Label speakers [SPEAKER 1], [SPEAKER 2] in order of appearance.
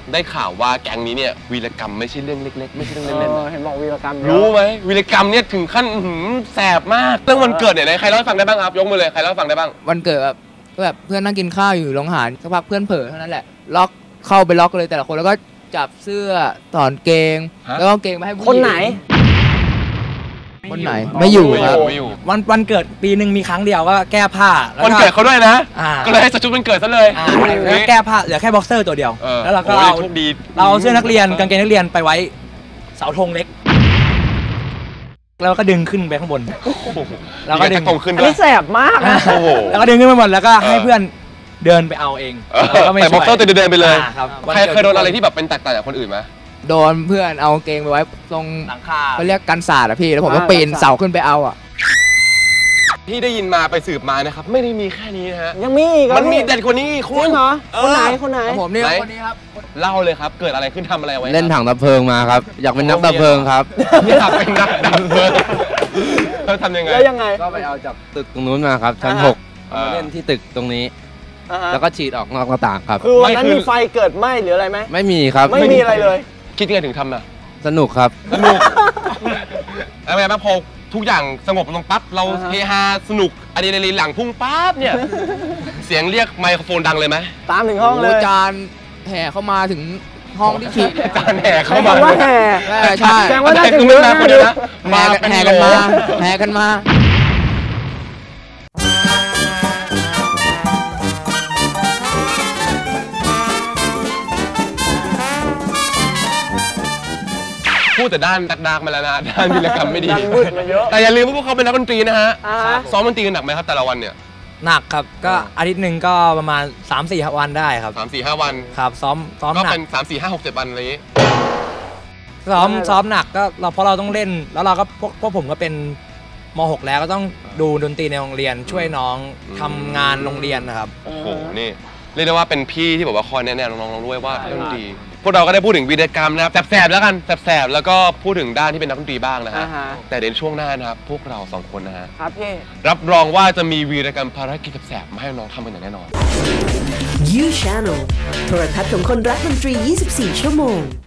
[SPEAKER 1] ได้ข่าวว่าแก๊งนี้เนี่ยวีรกรรมไม่ใช่เรื่องเล็กๆไม่ใช่เรื่องเล่นๆ
[SPEAKER 2] เห็นบอกวีรกรรม
[SPEAKER 1] รู้ไหมวีรกรรมเนี่ยถึงขั้นแสบมากเรื่องวันเกิดเนี่ยใครเล่าให้ฟังได้บ้างครับยกมือเลยใครเล่าให้ฟังได้บ้าง
[SPEAKER 3] วันเกิดแบบเพื่อนนั่งกินข้าวอยู่โรงอาหารสักพักเพื่อนเผลอเท่านั้นแหละล็อกเข้าไปล็อกเลยแต่ละคนแล้วก็จับเสื้อถอนเกงแล้วก็เกงมาให้ผู้หญิงคนไหนไม่อยู่ครับ
[SPEAKER 2] วันเกิดปีหนึ่งมีครั้งเดียวก็แก้ผ้า
[SPEAKER 1] วันเกิดเขาด้วยนะก็เลยให้ชุดวันเกิดซะเลย
[SPEAKER 2] แก้ผ้าเหลือแค่บ็อกเซอร์ตัวเดียวแล้วเราก็เอาเสื้อนักเรียนกางเกงนักเรียนไปไว้เสาธงเล็กแล้วก็ดึงขึ้นไปข้างบน
[SPEAKER 1] แล้วก็ดึงขึ้น
[SPEAKER 2] อันนี้แสบมากแล้วก็ดึงขึ้นไปหมดแล้วก็ให้เพื่อนเดินไปเอาเอง
[SPEAKER 1] แต่บ็อกเซอร์เดินไปเลยใครเคยโดนอะไรที่แบบเป็นแตกต่างจากคนอื่นไหม
[SPEAKER 3] โดนเพื่อนเอาเกงไปไว้ตรงหลังคาเขาเรียกกันศาสตร์อะพี่แล้วผมก็ปีนเสาขึ้นไปเอาอะ
[SPEAKER 1] ที่ได้ยินมาไปสืบมานะครับไม่ได้มีแค่นี้นะฮะ
[SPEAKER 2] ยังมีอีก
[SPEAKER 1] มันมีเด็ดกว่านี้คุณ
[SPEAKER 2] เหรอคนไหน
[SPEAKER 3] ผมนี่คนนี้ครับ
[SPEAKER 1] เล่าเลยครับเกิดอะไรขึ้นทำอะไรไว้
[SPEAKER 4] เล่นถังดับเพลิงมาครับอยากเป็นนักดับเพลิงครับ
[SPEAKER 1] อยากเป็นนักดับเพลิงเขาทำยังไง
[SPEAKER 2] แล้วยังไง
[SPEAKER 4] ก็ไปเอาจากตึกตรงนู้นมาครับชั้น6มาเล่นที่ตึกตรงนี้แล้วก็ฉีดออกนอกหน้าต่างครับ
[SPEAKER 2] คือวันนั้นมีไฟเกิดไหม้หรืออะไรไหม
[SPEAKER 4] ไม่มีครับ
[SPEAKER 2] ไม่มีอะไรเลย
[SPEAKER 1] คิดยังไงถึงทำน่ะ
[SPEAKER 4] สนุกครับ
[SPEAKER 1] สนุกอะไรบ้างพอทุกอย่างสงบลงปั๊บเราเฮฮาสนุกอะดรีนาลีนหลังพุ่งปั๊บเนี่ยเสียงเรียกไมโครโฟนดังเลยไหม
[SPEAKER 2] ตามถึงห้องเลย
[SPEAKER 3] จานแห่เข้ามาถึงห้องที่ฉีด
[SPEAKER 1] จานแห่เข้ามา
[SPEAKER 2] ว่าแห่
[SPEAKER 3] ใช่
[SPEAKER 2] แสดงว่าได้ถึง
[SPEAKER 1] เยอะนะ
[SPEAKER 3] แห่กันมา
[SPEAKER 1] พูดแต่ด้านดักมาแล้วนะด้านวีรกรรมไม่ดีแต่อย่าลืมว่าพวกเขาเป็นนักดนตรีนะฮะซ้อมดนตรีกันหนักไหมครับแต่ละวันเนี่ย
[SPEAKER 2] หนักครับก็อาทิตย์หนึ่งก็ประมาณ 3-4 วันได้ครับ
[SPEAKER 1] 3-4-5 วัน
[SPEAKER 2] ครับซ้อม
[SPEAKER 1] ก็เป็น3-4-5-6-7 วันอะไรอย่างนี้
[SPEAKER 2] ซ้อมหนักก็เพราะเราต้องเล่นแล้วเราก็พวกผมก็เป็นม.6 แล้วก็ต้องดูดนตรีในโรงเรียนช่วยน้องทำงานโรงเรียนนะครับ
[SPEAKER 1] โอ้โหนี่เรียกได้ว่าเป็นพี่ที่บอกว่าคอยแนะนำน้องๆด้วยว่าดนตรีพวกเราก็ได้พูดถึงวีรกรรมนะครับแสบๆแล้วกันแสบๆแล้วก็พูดถึงด้านที่เป็นนักดนตรีบ้างนะฮะแต่ในช่วงหน้านะครับพวกเรา2คนนะฮะ
[SPEAKER 2] ครับพี่
[SPEAKER 1] รับรองว่าจะมีวีรกรรมภารกิจแสบๆมาให้น้องทำกันอย่างแน่นอน
[SPEAKER 5] You Channel โทรทัศน์ของคนรักดนตรี 24 ชั่วโมง